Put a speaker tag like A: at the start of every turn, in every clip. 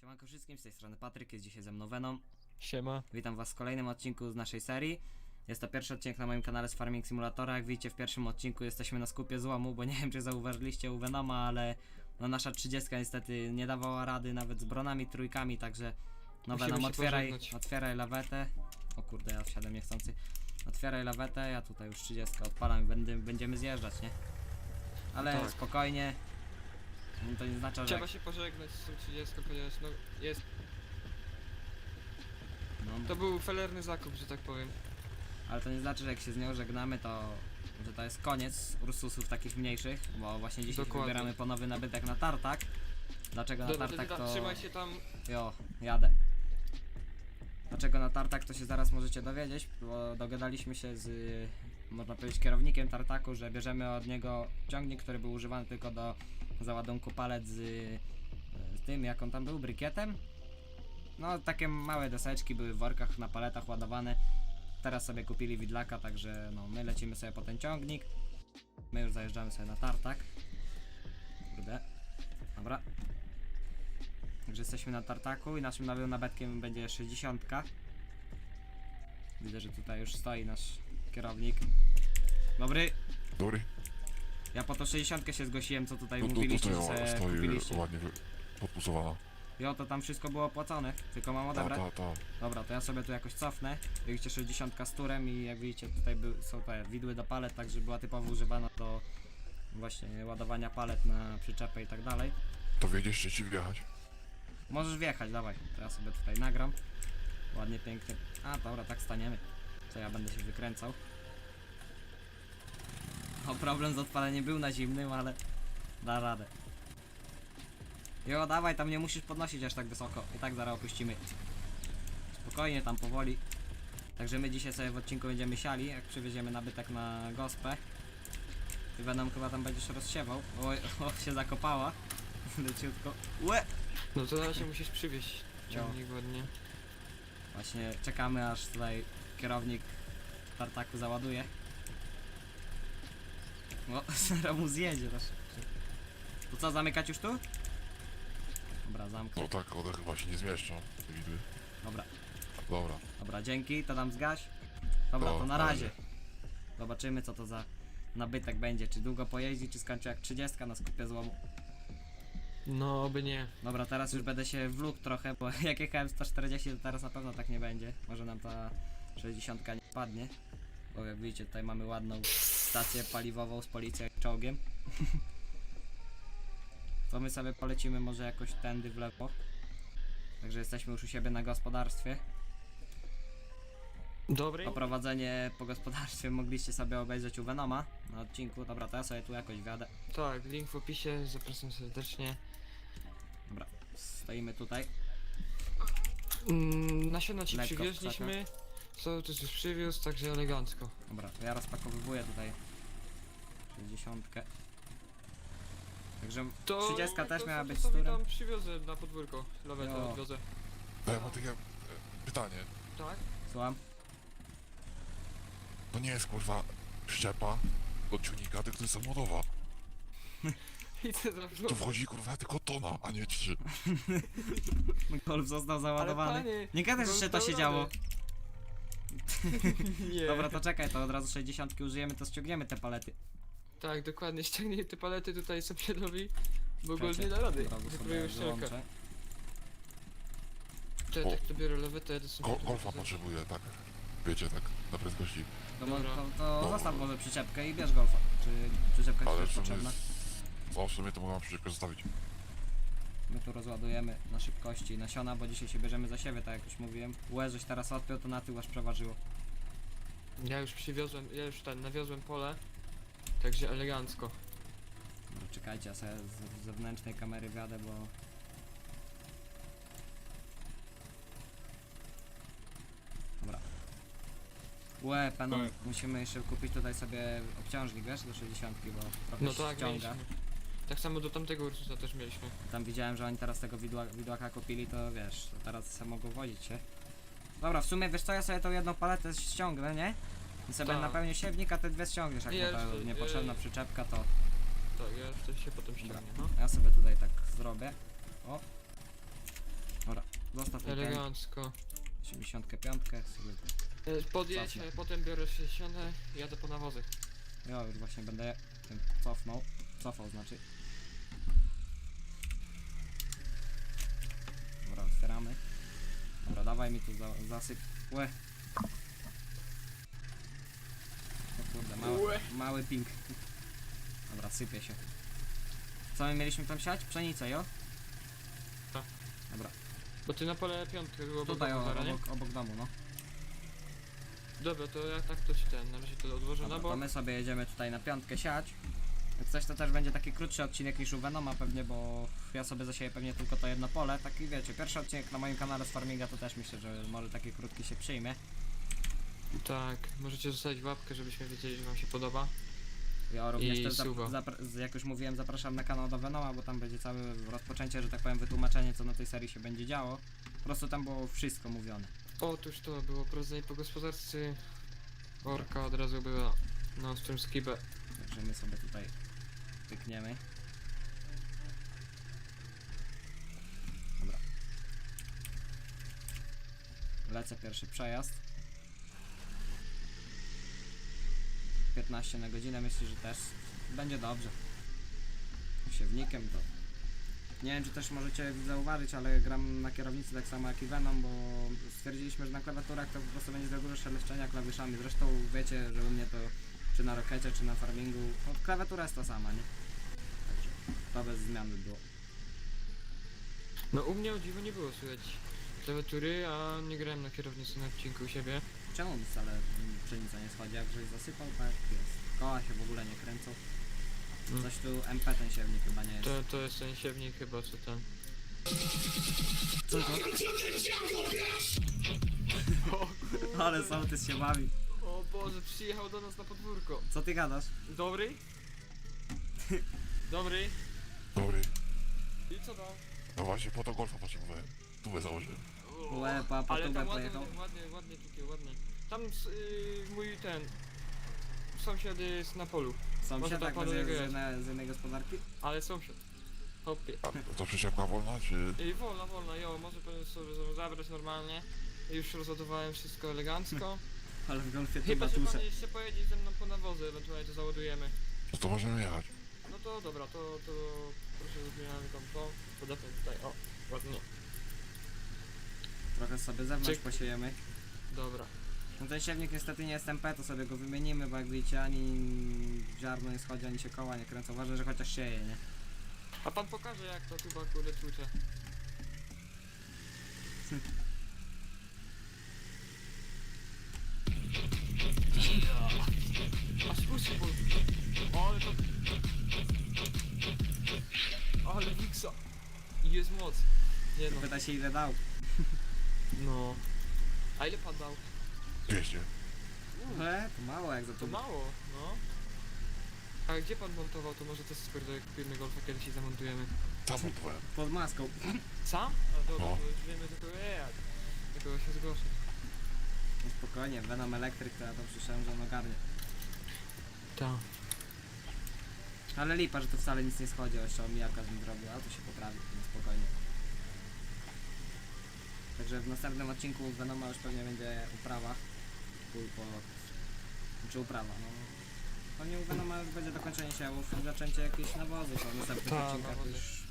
A: Siemanko wszystkim, z tej strony Patryk, jest dzisiaj ze mną Venom.
B: Siema.
A: Witam was w kolejnym odcinku z naszej serii. Jest to pierwszy odcinek na moim kanale z Farming Simulatora. Jak widzicie, w pierwszym odcinku jesteśmy na skupie złomu, bo nie wiem czy zauważyliście u Venoma, ale no nasza 30 niestety nie dawała rady nawet z bronami trójkami, także no
B: Musimy
A: Venom,
B: się
A: otwieraj
B: pożegnać.
A: lawetę. O kurde, ja wsiadłem niechcący. Otwieraj lawetę, ja tutaj już 30 odpalam i będziemy zjeżdżać, nie? Ale
B: Tak.
A: spokojnie. To nie znaczy, że...
B: Trzeba się pożegnać z tą 30, ponieważ no jest.
A: No,
B: To był felerny zakup, że tak powiem.
A: ale to nie znaczy, że jak się z nią żegnamy, to że to jest koniec Ursusów takich mniejszych, bo właśnie dzisiaj
B: Dokładnie.
A: wybieramy po nowy nabytek na tartak. Dlaczego na
B: Dobra,
A: tartak
B: to
A: to...
B: trzymaj się tam.
A: Jo, jadę. Dlaczego na tartak to się zaraz możecie dowiedzieć, bo dogadaliśmy się z, można powiedzieć, kierownikiem tartaku, że bierzemy od niego ciągnik, który był używany tylko do załadunku palet z tym, jak on tam był, brykietem. No, takie małe deseczki były w workach na paletach ładowane. Teraz sobie kupili widlaka, także no, my lecimy sobie po ten ciągnik. My już zajeżdżamy sobie na tartak. Kurde. Dobra. Także jesteśmy na tartaku i naszym nowym nabetkiem będzie 60. Widzę, że tutaj już stoi nasz kierownik. Dobry.
C: Dobry.
A: Ja po to 60 się zgłosiłem, co tutaj
C: No to
A: mówiliście, że
C: stoi,
A: sobie
C: stoi
A: kupiliście.
C: ładnie podpusowana.
A: Jo, to tam wszystko było opłacone, tylko mam
C: Ta,
A: odebrać.
C: ta.
A: Dobra, to ja sobie tu jakoś cofnę. Jak widzicie 60 z turem i jak widzicie tutaj są te widły do palet, także była typowo używana do właśnie ładowania palet na przyczepę i tak dalej.
C: To wiedziesz, czy ci wjechać?
A: Możesz wjechać, dawaj. To ja sobie tutaj nagram. Ładnie, pięknie. A, dobra, tak staniemy. Co ja będę się wykręcał. O, problem z odpaleniem był na zimnym, ale da radę. Jo, dawaj, tam nie musisz podnosić aż tak wysoko. I tak zaraz opuścimy. Spokojnie, tam powoli. Także my dzisiaj sobie w odcinku będziemy siali, jak przywieziemy nabytek na gospę. Ty Venom chyba tam będziesz rozsiewał. Oj, o, się zakopała. Leciutko. Łe!
B: No to na się musisz przywieźć ciągnik ładnie.
A: Właśnie czekamy, aż tutaj kierownik tartaku załaduje. O, zaraz mu zjedzie też. To co, zamykać już tu? Dobra, zamknę.
C: No tak, one chyba się nie zmieszczą, te widły.
A: Dobra,
C: Dobra.
A: dobra, dzięki, to tam zgaś. Dobra, to na razie. Zobaczymy, co to za nabytek będzie. Czy długo pojeździ, czy skończy jak 30 na skupie złomu.
B: No oby nie.
A: Dobra, teraz już będę się wlókł trochę, bo jak jechałem 140, to teraz na pewno tak nie będzie. Może nam ta 60 nie padnie. Bo jak widzicie, tutaj mamy ładną stację paliwową z policją i czołgiem. To my sobie polecimy może jakoś tędy w lewo. Także jesteśmy już u siebie na gospodarstwie.
B: Dobry?
A: Oprowadzenie po gospodarstwie mogliście sobie obejrzeć u Venoma na odcinku. Dobra, to ja sobie tu jakoś wjadę.
B: Tak, link w opisie, zapraszam serdecznie.
A: Dobra, stoimy tutaj.
B: Nasiona ci
A: Lekko
B: przywieźliśmy. Co też już przywiózł, także elegancko.
A: Dobra, to ja rozpakowywuję tutaj 60. Także 30 też miała być z
B: sobie
A: turem.
B: tam przywiozę na podwórko, lawetę
A: Jo.
B: odwiozę.
C: To ja mam takie pytanie.
B: Tak?
A: Słucham?
C: To nie jest kurwa przyczepa od ciągnika, tylko to jest samochodowa.
B: I ty
C: Tu wchodzi kurwa tylko tona, a nie 3.
A: Golf został załadowany.
B: panie,
A: Nie gadaj, że
B: Golf
A: się to
B: dał
A: się
B: radę.
A: działo.
B: Nie.
A: Dobra, to czekaj, to od razu 60 użyjemy, to ściągniemy te palety.
B: Tak, dokładnie, ściągnij te palety tutaj sąsiadowi, bo
A: Czekajcie,
B: Gold nie da rady.
A: od razu sobie
B: Wypróbujesz ścielkę.
A: wyłączę.
B: Cześć,
C: O.
B: tak to biorę lawetę, jadę sobie.
C: Golfa potrzebuję, tak. Wiecie, tak, na prędkości.
B: Dobra.
A: To
C: No.
A: zostaw może przyczepkę i bierz golfa. Czy przyczepka ci
C: Ale
A: jest
C: w sumie,
A: potrzebna?
C: w sumie to mogę przyczepkę zostawić.
A: My tu rozładujemy na szybkości nasiona, bo dzisiaj się bierzemy za siebie, tak jak już mówiłem. Łe, żeś teraz odpiął, to na tył aż przeważyło.
B: Ja już przywiozłem, nawiozłem pole, także elegancko.
A: Dobra, czekajcie, ja sobie z zewnętrznej kamery wjadę, bo... Dobra. Łe, panu, musimy jeszcze kupić tutaj sobie obciążnik, wiesz, do 60, bo trochę
B: No tak,
A: ściąga.
B: mieliśmy. Tak samo do tamtego Ursusa też mieliśmy.
A: Tam widziałem, że oni teraz tego widłaka kupili, to wiesz, to teraz sobie mogą wozić się. Dobra, w sumie wiesz co, ja sobie tą jedną paletę ściągnę, nie? I sobie
B: Tak.
A: napełnię siewnik, a te dwie ściągniesz, jak
B: Nie,
A: mu ta
B: jeszcze,
A: niepotrzebna przyczepka, to
B: Tak, ja wtedy się potem ściągnie, no.
A: ja sobie tutaj tak zrobię. O. Zostaw mi ten
B: Elegancko.
A: 85 sobie.
B: Podjedź,
A: Cofnę.
B: potem biorę 60 i jadę po nawozy.
A: Ja już właśnie będę tym cofał znaczy. Dobra, otwieramy. Dobra, dawaj mi tu zasyp. Łe. O kurde,
B: Łe.
A: mały ping. Dobra, sypie się. Co my mieliśmy tam siać? Pszenicę, jo?
B: Tak.
A: Dobra,
B: Bo ty na pole piątkę było
A: tutaj
B: nie?
A: obok domu, no.
B: Dobra, to ja tak to ci na razie to odłożę na
A: Dobra,
B: bok.
A: to my sobie jedziemy tutaj na piątkę siać. Jak coś to też będzie taki krótszy odcinek niż u Venoma pewnie, bo ja sobie zasieję pewnie tylko to jedno pole. Taki wiecie, pierwszy odcinek na moim kanale z farminga to też myślę, że może taki krótki się przyjmie.
B: Tak, możecie zostawić łapkę, żebyśmy wiedzieli, że wam się podoba.
A: Ja również
B: I
A: też
B: suba.
A: jak już mówiłem, zapraszam na kanał do Venoma, bo tam będzie całe rozpoczęcie, że tak powiem, wytłumaczenie co na tej serii się będzie działo. Po prostu tam było wszystko mówione.
B: Otóż to było prowadzenie po gospodarce. Orka od razu była na ostrym skibę.
A: Także my sobie tutaj pykniemy. Dobra. Lecę pierwszy przejazd. 15 na godzinę, myślę, że też będzie dobrze. Siewnikiem to... Nie wiem, czy też możecie zauważyć, ale gram na kierownicy tak samo jak i Venom, bo stwierdziliśmy, że na klawiaturach to po prostu będzie za dużo szeleszczenia klawiszami. Zresztą wiecie, że u mnie to czy na Rockecie, czy na Farmingu, no klawiatura jest ta sama, nie? Także to bez zmian by było.
B: No u mnie o dziwo nie było słychać klawiatury, a nie grałem na kierownicy na odcinku u siebie.
A: Czemu mi wcale pszenica nie schodzi? Jak żeś zasypał, tak jest. Koła się w ogóle nie kręcą. Coś tu MP ten siewnik chyba nie jest.
B: To jest ten siewnik chyba, co tam.
A: Co to? Ale sołtys się bawi.
B: O Boże, przyjechał do nas na podwórko.
A: Co ty gadasz?
B: Dobry? Dobry?
C: Dobry.
B: I co tam?
C: No właśnie po to golfa potrzebowałem. Tu założyłem.
A: Łe, po
B: Ale
A: tubę
B: tam ładnie,
A: pojechał.
B: ładnie tutaj, ładnie. Tam mój ten sąsiad jest na polu,
A: Sąsiad
B: może
A: tak
B: tak panu
A: z
B: jego
A: jednej gospodarki?
B: ale sąsiad. Hopie.
C: A to przyczepka wolna, czy...
B: I wolna, jo, może pan sobie zabrać normalnie. Już rozładowałem wszystko elegancko.
A: Ale w golfie to
B: Chyba, że
A: batusze.
B: pan jeszcze pojedzie ze mną po nawozy, ewentualnie to załadujemy.
C: No to możemy jechać.
B: No to dobra, to proszę zmieniamy tam to. Podepnę tutaj, o, ładnie.
A: Trochę sobie zewnątrz
B: Cyk.
A: posiejemy.
B: Dobra.
A: No ten siewnik niestety nie jest MP, to sobie go wymienimy, bo jak widzicie ani ziarno nie schodzi, ani się koła nie kręcą. Ważne, że chociaż sieje, nie?
B: A pan pokaże jak to tuba kurde tłucze. Aż uszy ból. Ale to... Ale wiksa. I jest moc. Nie no.
A: Pyta się ile dał.
B: No. A ile pan dał?
C: 200.
A: To mało jak za
B: To
A: to.
B: mało, no. A gdzie pan montował? To może też skoro jak kupimy golfa kiedyś i zamontujemy.
C: Tam montowałem.
A: Pod maską.
B: Sam? A dobra,
C: No.
B: to już wiemy tylko jak. Tylko się zgłoszę.
A: No spokojnie, Venom Electric to ja to przyszedłem, że on ogarnie.
B: Tak.
A: Ale lipa, że to wcale nic nie schodzi, jeszcze omijaka z nim zrobił, ale to się poprawi, no spokojnie. Także w następnym odcinku Venoma już pewnie będzie uprawa. Czy uprawa, no. Pewnie u Venoma już będzie dokończenie siewów i zaczęcie jakieś nawozy, to w następnych
B: Tak,
A: odcinkach
B: nawozy.
A: już...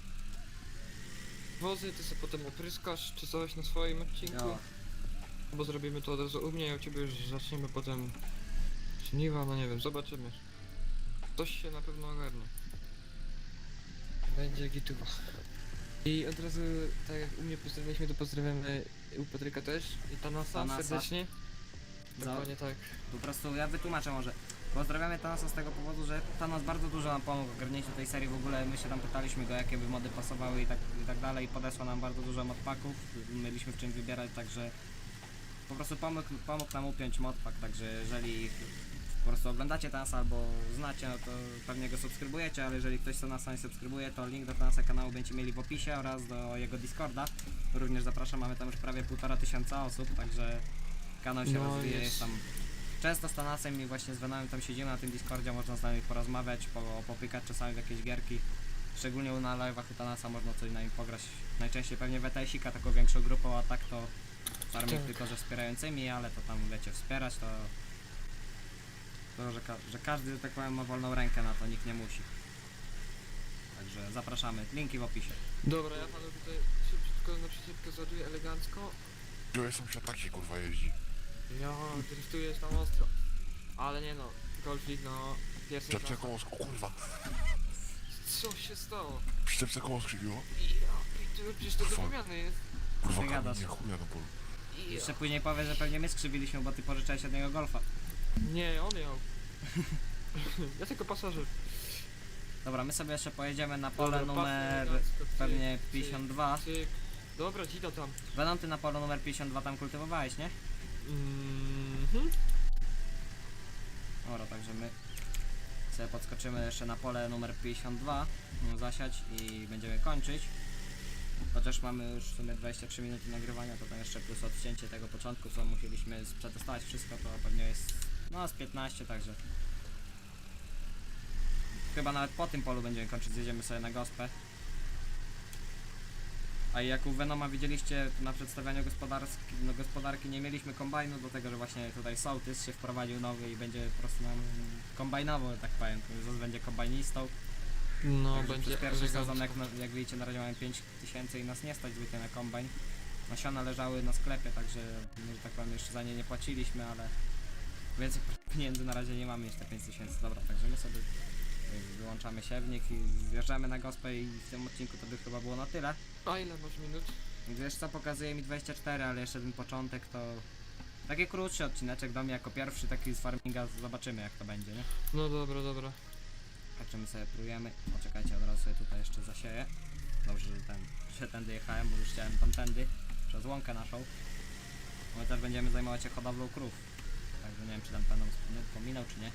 B: Wozy, ty sobie potem opryskasz czy coś na swoim odcinku.
A: Jo,
B: Bo zrobimy to od razu u mnie, a u ciebie już zaczniemy potem żniwa, no nie wiem, zobaczymy. Coś się na pewno ogarnie. Będzie gituwa. I od razu, tak jak u mnie pozdrawiliśmy, to pozdrawiamy u Patryka też i Tanasa
A: Tanasa.
B: serdecznie.
A: Za-
B: Dokładnie tak.
A: po prostu ja wytłumaczę może. Pozdrawiamy Thanasa z tego powodu, że Thanos bardzo dużo nam pomógł w ogarnięciu tej serii. W ogóle my się tam pytaliśmy go, jakie by mody pasowały i tak dalej. Podesłał nam bardzo dużo modpaków, mieliśmy w czym wybierać, także po prostu pomógł nam upiąć modpak, także jeżeli po prostu oglądacie Thanasa albo znacie, no to pewnie go subskrybujecie, ale jeżeli ktoś Thanasa nie subskrybuje, to link do Thanasa kanału będziecie mieli w opisie oraz do jego Discorda. Również zapraszam, mamy tam już prawie 1500 osób, także kanał się
B: No
A: rozwija,
B: jest.
A: jest tam często z Thanasem i właśnie z Venomem tam siedzimy na tym Discordzie, można z nami porozmawiać, popykać czasami w jakieś gierki. Szczególnie na live'ach u Thanasa można coś na nim pograć najczęściej pewnie WTS-ika taką większą grupą, a tak to farming
B: Tak.
A: tylko ze wspierającymi, ale to tam wiecie, wspierać to że każdy, że tak powiem, ma wolną rękę na to, nikt nie musi. Także zapraszamy, linki w opisie.
B: Dobra, ja panu tutaj szybciutko na przyczepkę załaduję elegancko.
C: Były sąsiad taki kurwa jeździ.
B: Ja driftujesz tam ostro. Ale nie no, Golfik no, pierwszy
C: Przyczepce
B: raz.
C: koło o kurwa.
B: Co się stało?
C: Przyczepce koło skrzywiło.
B: Przecież to do
C: Fuck.
B: wymiany jest.
C: Kurwa
A: Ty gadasz.
C: kamienie, chuja na polu.
A: Jeszcze później powie, że pewnie my skrzywiliśmy, bo ty pożyczałeś od niego golfa.
B: Nie, on miał. Ja tylko pasażer.
A: Dobra, my sobie jeszcze pojedziemy na pole
B: Dobra,
A: numer
B: pasy elegancko, cyk,
A: pewnie
B: cyk,
A: 52.
B: cyk. Dobra, Gino tam.
A: Venom, ty na polu numer 52 tam kultywowałeś, nie?
B: Mhm.
A: Dobra, także my sobie podskoczymy jeszcze na pole numer 52, zasiać i będziemy kończyć. Chociaż mamy już w sumie 23 minuty nagrywania, to tam jeszcze plus odcięcie tego początku, co musieliśmy przetestować wszystko, to pewnie jest no z 15, także chyba nawet po tym polu będziemy kończyć, zjedziemy sobie na gospę. A jak u Venoma widzieliście na przedstawianiu gospodarki nie mieliśmy kombajnu, do tego, że właśnie tutaj sołtys się wprowadził nowy i będzie po prostu nam kombajnował, że tak powiem, Zos będzie kombajnistą.
B: No,
A: Także
B: będzie
A: przez pierwszy sezon,
B: elegancko.
A: jak widzicie, na razie mamy 5000 i nas nie stać zwykle na kombajn. Nasiona leżały na sklepie, także, że tak powiem, jeszcze za nie nie płaciliśmy, ale więcej pieniędzy na razie nie mamy niż te 5000. Dobra, także my sobie wyłączamy siewnik i zjeżdżamy na gospę i w tym odcinku to by chyba było na tyle.
B: A ile masz minut?
A: Wiesz co, pokazuje mi 24, ale jeszcze ten początek to taki krótszy odcineczek do mnie jako pierwszy, taki z farminga, zobaczymy jak to będzie, nie?
B: No dobra, dobra.
A: Także my sobie próbujemy. Poczekajcie, od razu sobie tutaj jeszcze zasieję. Dobrze, że tędy jechałem, bo już chciałem tamtędy, przez łąkę naszą. My też będziemy zajmować się hodowlą krów. Także nie wiem, czy tam panom wspominał, czy nie.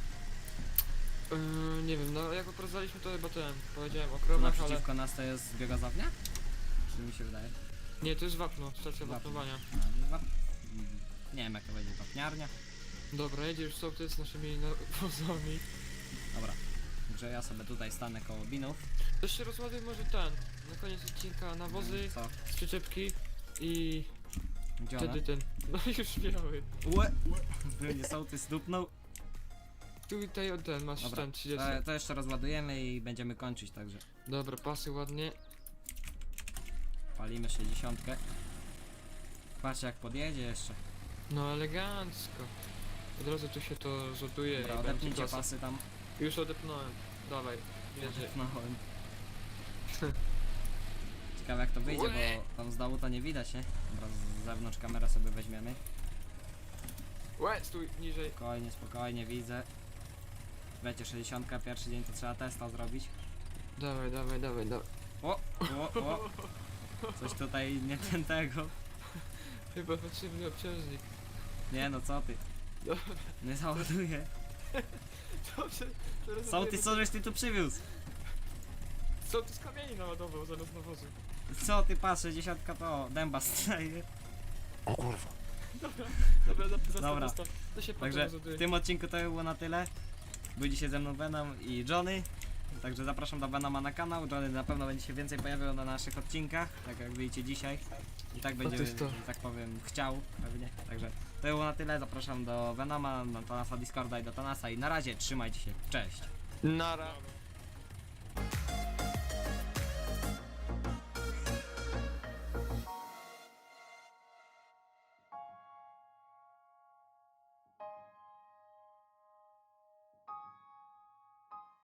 B: Nie wiem, no jak oprowadzaliśmy to chyba powiedziałem o
A: Tu
B: krowach, ale...
A: naprzeciwko nas to jest biogazownia? Czy mi się wydaje?
B: Nie, to jest wapno, stacja
A: Wapno.
B: wapnowania.
A: Nie wiem jak to będzie, wapniarnia.
B: Dobra, jedziesz sołtys z naszymi nawozami.
A: Dobra. Także ja sobie tutaj stanę koło binów.
B: Też się rozładuj może ten, na koniec odcinka nawozy,
A: Co?
B: z przyczepki i
A: Gdzie one?
B: wtedy ten... No już miały.
A: Łe! Nie sołtys dupnął.
B: Tutaj ten, masz
A: Dobra,
B: ten 30.
A: to jeszcze rozładujemy i będziemy kończyć, także
B: Dobra, pasy ładnie.
A: palimy 60. Patrzcie jak podjedzie jeszcze.
B: No elegancko. Od razu tu się to rzutuje
A: Dobra,
B: i będzie
A: odepnijcie
B: klasa.
A: pasy tam.
B: Już odepnąłem. Dawaj, jedzie.
A: Odepnąłem. Ciekawe jak to wyjdzie, bo tam z dołu to nie widać, nie? Dobra, z zewnątrz kamerę sobie weźmiemy.
B: Łe, stój, niżej.
A: Spokojnie, spokojnie, widzę. Wiecie, 60, pierwszy dzień to trzeba testa zrobić.
B: Dawaj, dawaj, dawaj, dawaj.
A: O! Coś tutaj nie ten tego.
B: Chyba potrzebny obciążnik.
A: Nie no, co ty?
B: Dobra.
A: Nie załaduję.
B: Dobrze, teraz
A: Sołtys, co żeś ty tu przywiózł?
B: Co ty z kamieni naładował zamiast nawozu?
A: Co ty patrz, 60 to dęba staje.
C: O kurwa.
B: Dobra, zostaw,
A: Dobra.
B: zostaw. To się potem
A: Także
B: rozładuje.
A: w tym odcinku to było na tyle. Był dzisiaj ze mną Venom i Johnny. Także zapraszam do Venoma na kanał. Johnny na pewno będzie się więcej pojawiał na naszych odcinkach, tak jak widzicie dzisiaj. I tak będzie,
B: jest to.
A: że tak powiem, chciał pewnie. Także to było na tyle. Zapraszam do Venoma, na Tanasa Discorda i do Tanasa. I na razie trzymajcie się. Cześć.
B: Nara.